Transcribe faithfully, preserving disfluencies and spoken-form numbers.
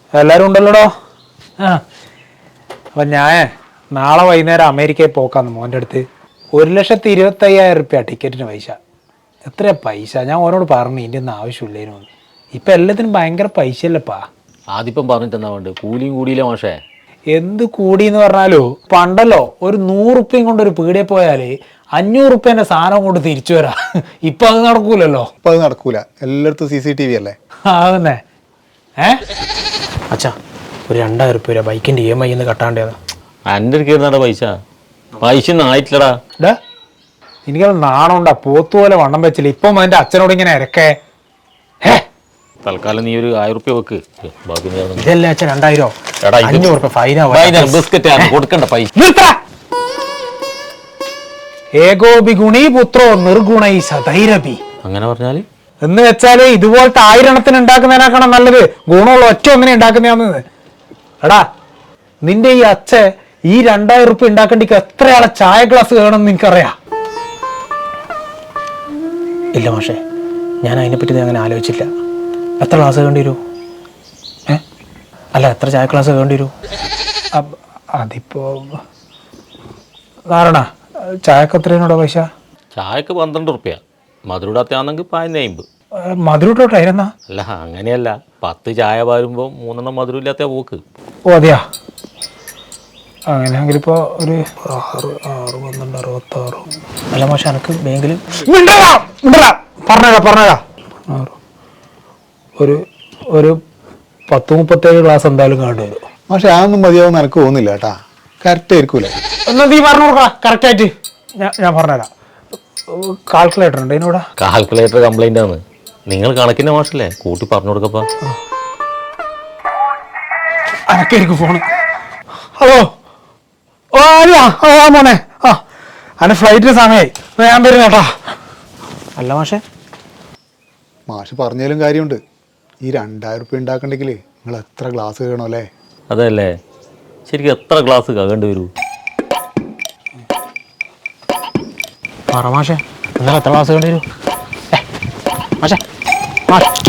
എല്ലാരും ഉണ്ടല്ലോടോ. ആ അപ്പൊ ഞാൻ നാളെ വൈകുന്നേരം അമേരിക്കയിൽ പോക്കാന്ന് മോൻ്റെ അടുത്ത്. ഒരു ലക്ഷത്തി ഇരുപത്തി അയ്യായിരം റുപ്യ ടിക്കറ്റിന് പൈസ. എത്രയാ പൈസ? ഞാൻ ഓനോട് പറഞ്ഞു ഇതിൻ്റെ ഒന്നും ആവശ്യമില്ലേനു. ഇപ്പം എല്ലാത്തിനും ഭയങ്കര പൈസ അല്ലപ്പാ. ആദ്യം പറഞ്ഞിട്ട് എന്നാ വേണ്ട, കൂലിയും കൂടിയില്ല മോശേ. എന്ത് കൂടിയെന്ന് പറഞ്ഞാലോ, പണ്ടല്ലോ ഒരു നൂറുപ്യം കൊണ്ട് ഒരു പീടിയെ പോയാല് അഞ്ഞൂറ് റുപ്യന്റെ സാധനം കൊണ്ട് തിരിച്ചു വരാ. ഇപ്പൊ അത് നടക്കൂലല്ലോ. ഇപ്പൊ അത് നടക്കൂല, എല്ലായിടത്തും സി സി ടി വി അല്ലേ. അതന്നെ. ഏ അച്ഛാ, ഒരു രണ്ടായിരം റുപ്യ ബൈക്കിന്റെ ഇ എം ഐ എന്ന് കട്ടാണ്ടേതാ. എൻ്റെ അടുത്ത് പൈസ പൈസ ഒന്നും ആയിട്ടില്ലടാ. ഡാ എനിക്കത് നാണമുണ്ടാ, പോത്തുപോലെ വണ്ണം വെച്ചില്ല. ഇപ്പം അതിന്റെ അച്ഛനോട് ഇങ്ങനെ ഇരക്കേ. തൽക്കാലം നീ ഒരു ആയിരം റുപ്യ വെക്ക്. ഇതല്ലേ അച്ഛൻ രണ്ടായിരോ അഞ്ഞൂറ് റുപ്യ ഫൈനാ. ബിസ്ക്കറ്റ് കൊടുക്കണ്ട പൈസ. ഏകോപി ഗുണീ പുത്രോ നിർഗുണൈ സധൈരപി. അങ്ങനെ പറഞ്ഞാല് എന്ന് വെച്ചാല് ഇതുപോലത്തെ ആയിരണത്തിന് ഉണ്ടാക്കുന്നതിനേക്കാണ് നല്ലത് ഗുണമുള്ള ഒറ്റ ഒന്നിനെ ഉണ്ടാക്കുന്നതാന്ന്. എടാ നിന്റെ ഈ അച്ഛ ഈ രണ്ടായിരം റുപ്യ ഉണ്ടാക്കേണ്ടിക്ക് എത്രയാളെ ചായ ഗ്ലാസ് വേണമെന്ന് നിനക്കറിയാ? ഇല്ല മാഷേ, ഞാൻ അതിനെപ്പറ്റി അങ്ങനെ ആലോചിച്ചില്ല. എത്ര ക്ലാസ് വേണ്ടി വരൂ? ഏ അല്ല, എത്ര ചായ ക്ലാസ് വേണ്ടി വരൂ? അതിപ്പോ ധാരണ ചായക്ക് എത്രയാണോടോ പൈസ? ചായക്ക് പന്ത്രണ്ട് റുപ്യ, മധുരൂടാത്താണെങ്കിൽ പതിനഞ്ച് അമ്പത്. മധുരൂട്ടോട്ടായിരുന്നാ? അല്ല അങ്ങനെയല്ല, പത്ത് ചായ പാരുമ്പോൾ മൂന്നെണ്ണം മധുരം ഇല്ലാത്ത പോക്ക്. ഓ അതെയാ? അങ്ങനെയാണെങ്കിൽ ഇപ്പോൾ ഒരു ആറ് ആറ് പന്ത്രണ്ട് അറുപത്താറ്. അല്ല മാഷെ, എനിക്ക് ബാങ്കിൽ പറഞ്ഞേക്കാം പറഞ്ഞേക്കാം ഒരു ഒരു പത്ത് മുപ്പത്തേഴ് ക്ലാസ് എന്തായാലും കാണേണ്ടി വരും. പക്ഷെ അതൊന്നും മതിയാവും എനിക്ക് തോന്നുന്നില്ല കേട്ടാ. കറക്റ്റ് ആയിരിക്കൂലേ? എന്നാ നീ പറഞ്ഞു കൊടുക്കാം കറക്റ്റായിട്ട്. ഞാൻ ഞാൻ പറഞ്ഞുതരാം. കാൽക്കുലേറ്റർ ഉണ്ട് ഇതിനൂടെ. കാൽക്കുലേറ്റർ കംപ്ലൈൻ്റ് ആണ്. നിങ്ങൾ കണക്കിൻ്റെ മാഷല്ലേ, കൂട്ടി പറഞ്ഞു കൊടുക്കപ്പാ. അനക്കായിരിക്കും ഫോണ്. ഹലോ, ഓ അല്ല ആ മോനെ, ആ അന്നെ ഫ്ലൈറ്റിന് സമയമായി, ഞാൻ വരുന്ന കേട്ടാ. അല്ല മാഷെ, മാഷ് പറഞ്ഞാലും കാര്യമുണ്ട്. ഈ രണ്ടായിരം റുപ്യ ഉണ്ടാക്കണ്ടെങ്കിൽ നിങ്ങൾ എത്ര ഗ്ലാസ് വേണോ അല്ലേ? അതല്ലേ, ശരിക്കും എത്ര ഗ്ലാസ് കകേണ്ടി വരൂ? പറ മാഷെ, നിങ്ങൾ എത്ര ഗ്ലാസ് വേണ്ടി വരൂ? മാഷെ മാഷ്